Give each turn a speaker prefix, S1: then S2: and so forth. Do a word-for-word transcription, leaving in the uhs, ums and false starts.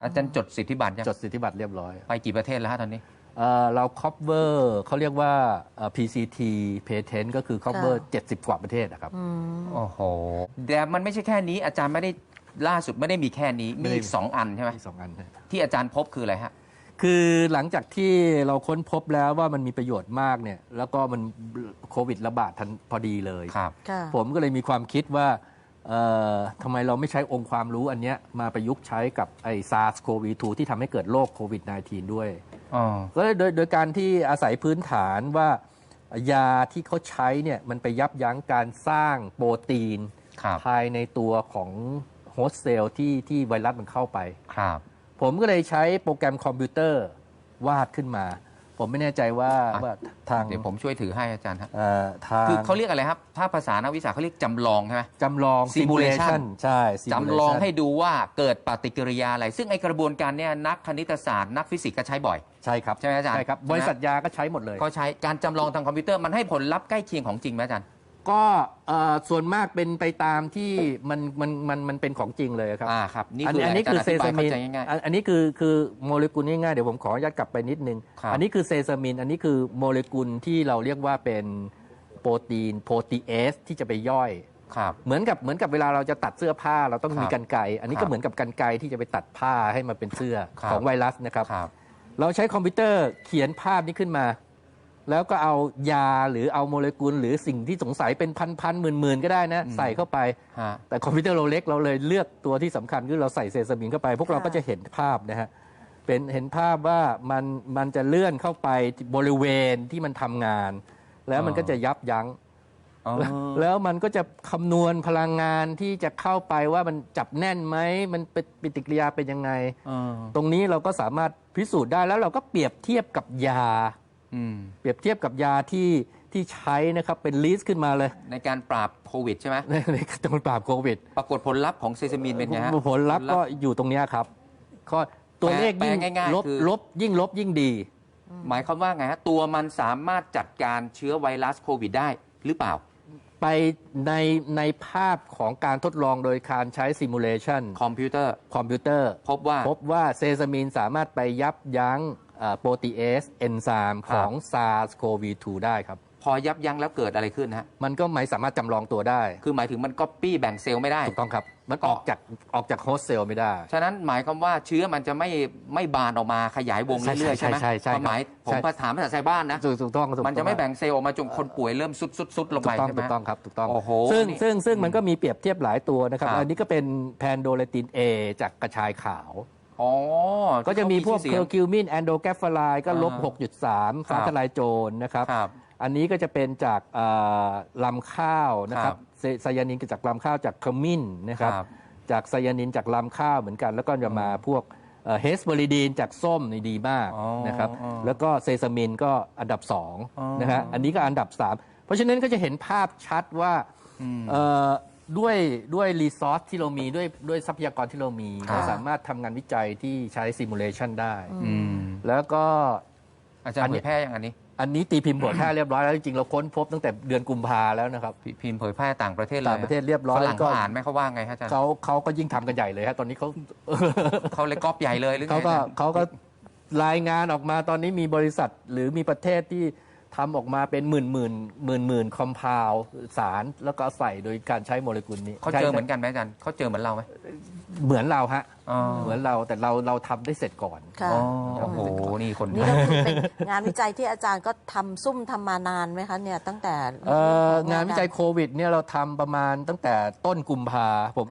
S1: อาจารย์จดสิทธิบัตรยัง
S2: จดสิทธิบัตรเรียบร้อย
S1: ไปกี่ประเทศแล้วฮะตอนนี้
S2: เรา cover เขาเรียกว่า พี ซี ที patent ก็คือ cover เจ็ดสิบกว่าประเทศนะครับ
S1: โอ้โหแต่มันไม่ใช่แค่นี้อาจารย์ไม่ได้ล่าสุดไม่ได้มีแค่นี้มีอีกสองอันใช่ไหม
S2: สองอัน
S1: ที่อาจารย์พบคืออะไรฮะ
S2: คือหลังจากที่เราค้นพบแล้วว่ามันมีประโยชน์มากเนี่ยแล้วก็มันโควิดระบาดทันพอดีเลย
S1: ครับ
S2: ผมก็เลยมีความคิดว่าทำไมเราไม่ใช้องค์ความรู้อันนี้มาประยุกต์ใช้กับไอ้ ซาร์ส โควี ทู ที่ทำให้เกิดโรคโควิด สิบเก้า ด้วยก็เลยโดยโดยการที่อาศัยพื้นฐานว่ายาที่เขาใช้เนี่ยมันไปยับยั้งการสร้างโปรตีนภายในตัวของโฮสต์เซลล์ที่ที่ไวรัสมันเข้าไป
S1: ครับ
S2: ผมก็เลยใช้โปรแกรมคอมพิวเตอร์วาดขึ้นมาผมไม่แน่ใจว่าว่าทาง
S1: เดี๋ยวผมช่วยถือให้อาจารย์ครับ
S2: ทาง
S1: คือเขาเรียกอะไรครับถ้าภาษานักวิชาเขาเรียกจำลองใช่ไหม
S2: จำลอง
S1: simulation
S2: ใช่
S1: จำลองให้ดูว่าเกิดปฏิกิริยาอะไรซึ่งไอกระบวนการเนี้ยนักคณิตศาสตร์นักฟิสิกส์ก็ใช้บ่อย
S2: ใช่ครับ
S1: ใช่ไหมอาจารย์
S2: ใช่ครับบริษัทยาก็ใช้หมดเลย
S1: ก็ใช้การจำลองทางคอมพิวเตอร์มันให้ผลลัพธ์ใกล้เคียงของจริงไหมอาจารย์
S2: ก็ส่วนมากเป็นไปตามที่มันมันมันมันเป็นของจริงเลยครับ
S1: อ่าครับ
S2: นี่คืออันนี้คือเซซามินอันนี้คือคือโมเลกุลง่ายๆเดี๋ยวผมขออนุญาตกลับไปนิดนึงอันนี้คือเซซามินอันนี้คือโมเลกุลที่เราเรียกว่าเป็นโปรตีนโปรตีเอสที่จะไปย่อยเหมือนกับเหมือนกับเวลาเราจะตัดเสื้อผ้าเราต้องมีกรรไกรอันนี้ก็เหมือนกับกรรไกรที่จะไปตัดผ้าให้มันเป็นเสื้อของไวรัสนะครับเราใช้คอมพิวเตอร์เขียนภาพนี้ขึ้นมาแล้วก็เอายาหรือเอาโมเลกุลหรือสิ่งที่สงสัยเป็นพันพันหมื่นหมื่นก็ได้นะใส่เข้าไปแต่คอมพิวเตอร์เราเล็กเราเลยเลือกตัวที่สำคัญคือเราใส่เซซามินเข้าไปพวกเราก็จะเห็นภาพนะฮะเป็นเห็นภาพว่ามันมันจะเลื่อนเข้าไปบริเวณที่มันทำงานแล้วมันก็จะยับยั้งแล้วมันก็จะคำนวณพลังงานที่จะเข้าไปว่ามันจับแน่นไหมมันเป็นปฏิกิริยาเป็นยังไงตรงนี้เราก็สามารถพิสูจน์ได้แล้วเราก็เปรียบเทียบกับยาเปรียบเทียบกับยาที่ที่ใช้นะครับเป็นลิสต์ขึ้นมาเลย
S1: ในการปราบโควิดใช่ไหม
S2: ในในการปราบโควิด
S1: ปรากฏผลลัพธ์ของเซซามินเป็นไงฮะ
S2: ผลลัพธ์ก็อยู่ตรงนี้ครับข้อตัวเลขยิ่งลบลบยิ่งลบยิ่งดี
S1: หมายความว่าไงฮะตัวมันสามารถจัดการเชื้อไวรัสโควิดได้หรือเปล่า
S2: ไปในในภาพของการทดลองโดยการใช้ซิมูเลชัน
S1: คอมพิวเตอร์
S2: คอมพิวเตอร์
S1: พบว่า
S2: พบว่าเซซามินสามารถไปยับยั้งโปรตีเอสเอนไซม์ของ ซาร์ส โควี ทู ได้ครับ
S1: พอยับยั้งแล้วเกิดอะไรขึ้นฮะ
S2: มันก็ไม่สามารถจำลองตัวได้
S1: คือหมายถึงมันก๊อปปี้แบ่งเซลล์ไม่ได้
S2: ถูกต้องครับมันออกจากออกจากโฮสต์เซลล์ไม่ได้
S1: ฉะนั้นหมายความว่าเชื้อมันจะไม่ไม่บานออกมาขยายวงเรื่อยๆใช่ไหม
S2: ใช่ใช่
S1: หมายผมภาษาภาษาชาวบ้านนะ
S2: ถูกต้อง
S1: มันจะไม่แบ่งเซลล์ออกมาจนคนป่วยเริ่มซุดๆลงไปใช่ไหม
S2: ถูกต้องครับถูกต้อง
S1: โอ้โห
S2: ซึ่งซึ่งซึ่งมันก็มีเปรียบเทียบหลายตัวนะครับอันนี้ก็เป็นแพนโดเลติน A จากกระชายขาวก็จะมีพวกเคอร์คิวมินแอนโดแกฟฟาไลก็ลบ หกจุดสาม ฟ้าทลายโจรนะครับอันนี้ก็จะเป็นจากลำข้าวนะครับไซยานินจากลำข้าวจากขมิ้นนะครับจากไซยานินจากลำข้าวเหมือนกันแล้วก็จะมาพวกเฮสเบอริดีนจากส้มนี่ดีมากนะครับแล้วก็เซซามินก็อันดับสองนะฮะอันนี้ก็อันดับสามเพราะฉะนั้นก็จะเห็นภาพชัดว่าด้วยด้วยรีซอสที่เรามีด้วยด้วยทรัพยากรที่เรามีเราสามารถทำงานวิจัยที่ใช้ซิมูเลชันได้แล้วก็
S1: อาจารย์เผยแพร่อย่างอันนี้
S2: อันนี้ตีพิมพ์เผยแพร่เรียบร้อยแล้วจริงๆเราค้นพบตั้งแต่เดือนกุมภาแล้วนะครับ
S1: พิมพ์เผยแพร่ต่างประเทศเลย
S2: ต่างประเทศเรียบร้อย
S1: ฝรั่งเขาอ่านไหมเขาว่าไงฮะอาจารย์
S2: เขาเขาก็ยิ่งทำกันใหญ่เลยฮะตอนนี้เขา
S1: เขาเลยก๊อปใหญ่เลยหรือไง
S2: เขาก็เขาก็รายงานออกมาตอนนี้มีบริษัทหรือมีประเทศที่ทำออกมาเป็นหมื่นหมื่นหมื่นหมื่นคอมเพลสารแล้วก็ใส่โดยการใช้โมเลกุลนี้
S1: เขาเจอเหมือนกันไหมอาจารย์เขาเจอเหมือนเราไหม
S2: เหมือนเราฮะเหมือนเราแต่เราเราทำได้เสร็จก่อน
S1: โอ้โหนี่คน
S3: นี่ก็คือเป็นงานวิจัยที่อาจารย์ก็ทำซุ่มทำมานานไหมคะเนี่ยตั้งแต่
S2: งานวิจัยโควิดเนี่ยเราทำประมาณตั้งแต่ต้นกุมภาผม